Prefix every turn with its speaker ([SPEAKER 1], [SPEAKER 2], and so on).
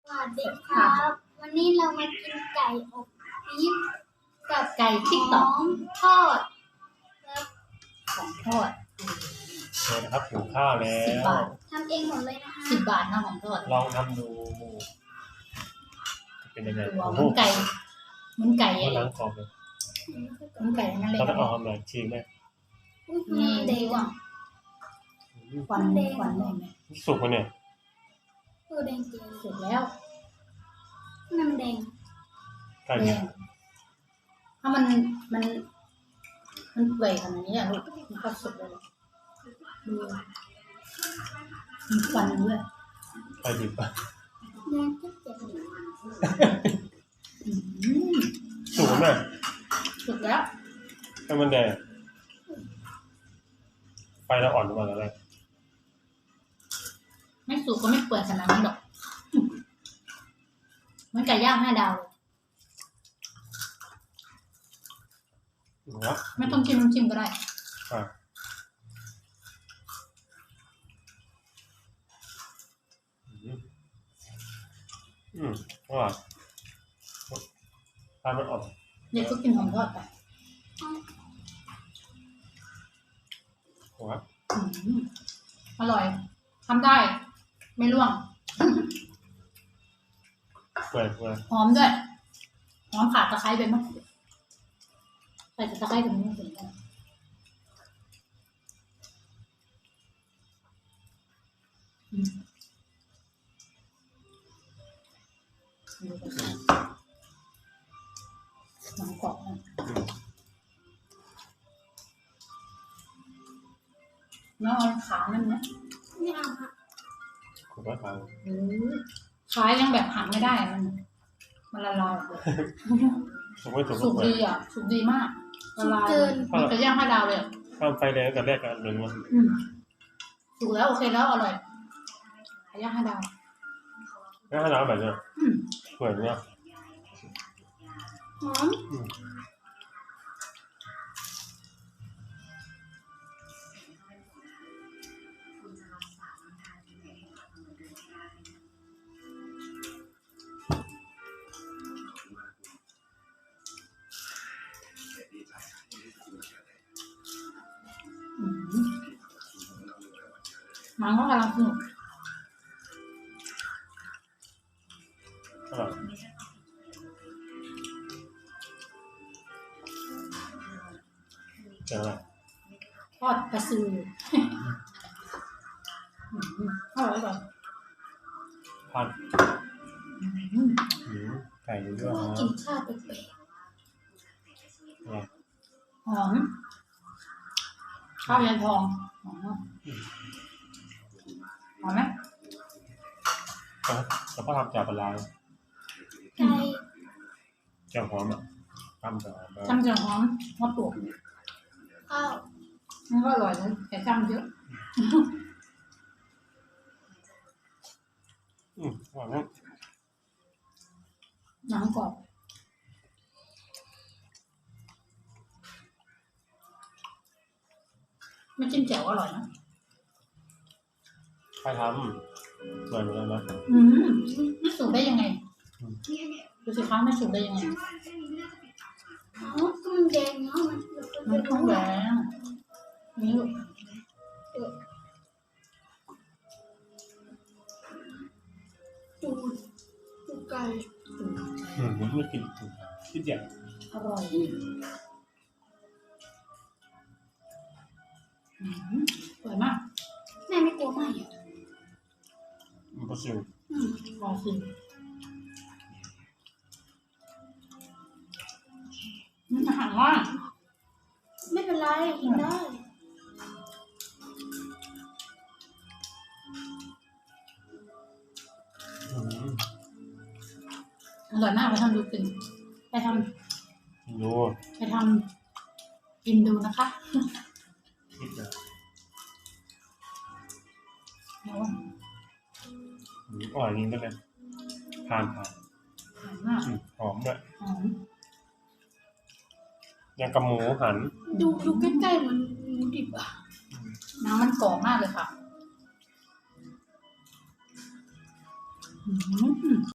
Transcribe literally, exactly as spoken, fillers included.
[SPEAKER 1] สวัสดีครับ วันนี้เรามากินไก่อบปี๊บกับ
[SPEAKER 2] ไก่ติ๊ก
[SPEAKER 1] ห
[SPEAKER 2] ต๊อ
[SPEAKER 1] อก มทอดครับ
[SPEAKER 2] ของทอด
[SPEAKER 3] เดี๋ยวนะครับหุงข้าวแล้
[SPEAKER 2] สิบ
[SPEAKER 3] ว
[SPEAKER 2] บาท
[SPEAKER 1] ทำเองหมดเลยนะคะ
[SPEAKER 2] สิบบาทนะของทอด
[SPEAKER 3] ลองทำดูเป็นยังไง
[SPEAKER 2] ตัว
[SPEAKER 3] โอ้
[SPEAKER 2] เห
[SPEAKER 3] โห
[SPEAKER 2] มือนไก่เหมือนไก่
[SPEAKER 3] มัน
[SPEAKER 2] อะไร
[SPEAKER 3] ล้างกรอบเลย
[SPEAKER 2] เหมือนไก่นั่นเลย
[SPEAKER 3] เราต้องเอาทำอะไรชิมไหม
[SPEAKER 2] นี่
[SPEAKER 1] เด็
[SPEAKER 2] ดี
[SPEAKER 1] ก
[SPEAKER 2] กว่า
[SPEAKER 3] อืม
[SPEAKER 2] ควันควันได้ไหม
[SPEAKER 3] สุกไหมเนี่ย
[SPEAKER 1] ตัวแดงเจียว
[SPEAKER 2] สุกแล้ว
[SPEAKER 1] น้ำแดง
[SPEAKER 3] ไก่
[SPEAKER 2] แดงถ้ามันมันมันเปื่อยขนาดนี้อะลูกมันก็สุกเลยดูมีควันด้วย
[SPEAKER 3] ไก่ดิบอะ
[SPEAKER 1] แดงก็เจ็บ
[SPEAKER 2] อืม
[SPEAKER 3] สุกไหมแม่
[SPEAKER 2] สุกแล้ว
[SPEAKER 3] ให้มันแดงไฟเราอ่อนกว่าแล้วแหละ
[SPEAKER 2] ไม่สุกก็ไม่เปื่อยขนาดนี้หรอกเหมันไก่ย่างห้าดาวเลย
[SPEAKER 3] ถูกแล้ว
[SPEAKER 2] ไม่ต้องจิ้มน้ำจิ้มก็ได้
[SPEAKER 3] อ่ะอืมอืมอร่อยทานมันอ่อน
[SPEAKER 2] เด็กก็กินของทอดไป
[SPEAKER 3] ถูกแล้ว
[SPEAKER 2] อืมอร่อยทำได้ ไม่ร่วง
[SPEAKER 3] เปื่อยเปื่อย
[SPEAKER 2] หอมด้วย หอมขาดตะไคร้ไปมั้งใส่ตะไคร้ถึงไม่ถึงกันอืมดูกันสิหนังกรอบนะ
[SPEAKER 3] อืม
[SPEAKER 2] น้องเอาขานั่นนะ
[SPEAKER 1] ไม่เอาค่ะ
[SPEAKER 3] ถูกแล้วครับ
[SPEAKER 2] โอ้ยขายังแบบหันไม่ได้อะมัน มันละลายเลย
[SPEAKER 3] สุกไม่สุก
[SPEAKER 2] สุ
[SPEAKER 3] ก็
[SPEAKER 2] ก
[SPEAKER 3] เปื่อย
[SPEAKER 2] ดีอ่ะ สุกดีมากละลาย
[SPEAKER 1] เกิน
[SPEAKER 2] มันจะย่างห้าดาวเลยอะ
[SPEAKER 3] ข้ามไฟแดงแต่แรกกันหนึ่งวัน
[SPEAKER 2] อืมสุกแล้วโอเคแล้วอร่อยไก่ย่างห้าดาว
[SPEAKER 3] งั้นให้เราแบบเนี้ย
[SPEAKER 2] อืม
[SPEAKER 3] เปื่อยเนี้ย
[SPEAKER 1] หอม
[SPEAKER 3] อืม
[SPEAKER 2] อืมหนังก็กำลังสนุก
[SPEAKER 3] อร่อยเจ๋งเลย
[SPEAKER 2] ทอดปลาซิวอืมอร่อยก่อน
[SPEAKER 3] พัน
[SPEAKER 2] อืม
[SPEAKER 3] หืมไก่ด้วย
[SPEAKER 1] ว่า
[SPEAKER 3] นะ
[SPEAKER 1] กินข้าวแปลก
[SPEAKER 3] อะไร
[SPEAKER 2] หอมข้าวยันทองหอมมากหอมไหม
[SPEAKER 3] แล้วก็ทำจากปลาร้า
[SPEAKER 1] ๆไก่
[SPEAKER 3] แจ่วหอมอ่ะทำจากปลาร้า
[SPEAKER 2] จำจะหอมหอมปลวก
[SPEAKER 1] ข้าว
[SPEAKER 2] มันก็อร่อยนะแต่จำเยอะ
[SPEAKER 3] อืมอร่อยมาก
[SPEAKER 2] หนังกรอบไม่จิ้มแจ่วอร่อยนะ
[SPEAKER 3] ใครทำสวยเหมือนกันนะ
[SPEAKER 2] อืมไม่สุกได้ยังไงดูสิคะไม่สุกได้ยังไง
[SPEAKER 1] อ๋อก็มันแดงเนาะมัน
[SPEAKER 2] มันท้องแดงนี่ลูก
[SPEAKER 1] ตูดตูดไก่
[SPEAKER 3] อืมไม่กินคิดอย่าง
[SPEAKER 2] อร่อยอืมอร่อยมาก
[SPEAKER 1] แม่ไม่กลัวไหมอ่ะ
[SPEAKER 3] มันก็ซิว
[SPEAKER 1] อืม
[SPEAKER 2] ลองชิมมันอาหารว่าง
[SPEAKER 1] ไม่เป็นไรกินได้
[SPEAKER 3] อืม
[SPEAKER 2] อร่อยมากไปทำดูกินไปท
[SPEAKER 3] ดู
[SPEAKER 2] ำไปทำกินดูนะคะ
[SPEAKER 3] คิดนะ
[SPEAKER 2] แล้ว
[SPEAKER 3] อืมอร่อยจริงก็เลยทานทาน
[SPEAKER 2] อร่อยมาก
[SPEAKER 3] อืมหอมด้วย
[SPEAKER 2] หอม
[SPEAKER 3] ยังกับหมูหัน
[SPEAKER 1] ดูดูใกล้ๆเหมันหมูดิบอ่ะ
[SPEAKER 2] น้ำมันกรอบมากเลยค่ะ อืม